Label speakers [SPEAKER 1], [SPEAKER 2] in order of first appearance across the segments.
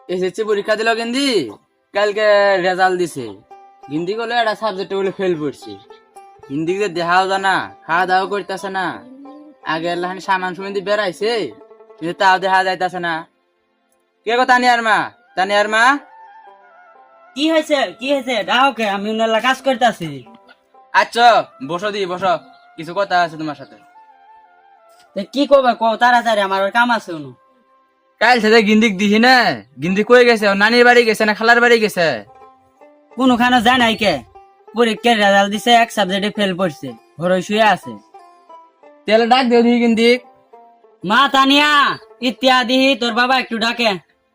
[SPEAKER 1] SSC পরীক্ষা দিল গিন্দি, কালকে রেজাল্ট দিছে। গিন্দি বলে একটা সাবজেক্টে বলে ফেল করছি। গিন্দি যে দেখাও জানা, খাওয়া দাওয়া করতেছে না। আগে লাহানি সামান সুমিন দিয়ে বেড়াইছে, কিন্তু তাও দেখা যাইতেছে না। কে গো তানিয়ার মা? তানিয়ার মা,
[SPEAKER 2] কি হয়েছে কি হয়েছে? ডাকে, আমি উনার কাজ করতেছি।
[SPEAKER 1] আচ্ছা বসো দি বসো, কিছু কথা আছে তোমার সাথে।
[SPEAKER 2] কি করবে কো তাড়াতাড়ি, আমার ওর কাম আছে উনু।
[SPEAKER 1] কাল সাথে গিন্দিক দিহি না, গিন্দি কই গেছে? ও নানির বাড়ি গেছে না খালার বাড়ি গেছে?
[SPEAKER 2] কোনখানে যায় নাই কে? পরীক্ষার রেজাল্ট দিছে, এক সাবজেক্টে ফেল করছে, ঘরে শুয়ে আছে।
[SPEAKER 1] তেলে ডাক দিও দিহি গিন্দিক।
[SPEAKER 2] মা তানিয়া, ইত্যাদি তোর বাবা একটু ডাকে।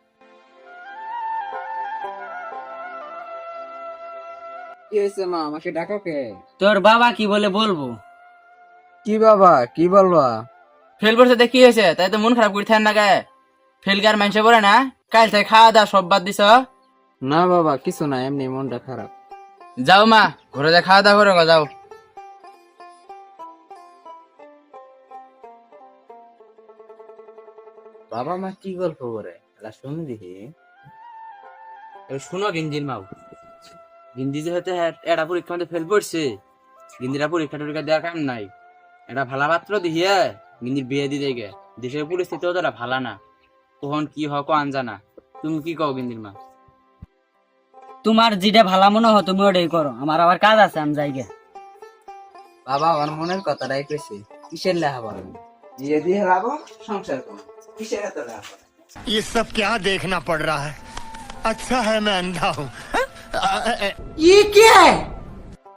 [SPEAKER 3] কি হয়েছে মা, আমাকে ডাকো কে?
[SPEAKER 2] তোর বাবা কি বলে বলবো?
[SPEAKER 3] কি বাবা, কি বলবা?
[SPEAKER 1] ফেল করছে তো কি হয়েছে? তাই তো মন খারাপ করে থাকেন না গে? ফেল কার মানুষে বলে না? কাল থেকে খাওয়া দাওয়া সব বাদ দিছ?
[SPEAKER 3] না বাবা, কিছু না, এমনি মনটা খারাপ।
[SPEAKER 1] যাও মা, ঘরে যা খাওয়া দাওয়া করে গো, যাও।
[SPEAKER 3] বাবা মা কি গল্প করে এটা শুনি দেখি।
[SPEAKER 1] শুনো গিন্দির মাও, গিন্দি যেহেতু এটা পরীক্ষা মধ্যে ফেল করছে, গিন্দিরা পরীক্ষা টরীক্ষা দেওয়ার কাম নাই। এটা ভালা পাত্র দিহিয়ে গিন্দির বিয়ে দিতে গে। দেশের পরিস্থিতিও তো এটা ভালা না, কখন কি হক আনজানা। তুমি কি কও গিন্দির মা?
[SPEAKER 2] তোমার যেটা ভালো মনে হয় তুমি ওটাই করো, আমার আবার কাজ আছে, আমি যাই গে।
[SPEAKER 3] বাবা আমার মনের কথাটাই কইছে, কিসের লেখা বলেন, বিয়ে দিয়ে লাভো, সংসার করো, কিসের এত লেখা?
[SPEAKER 4] ये सब क्या देखना पड़ रहा है। अच्छा है मैं अंधा हूँ।
[SPEAKER 2] ये क्या है?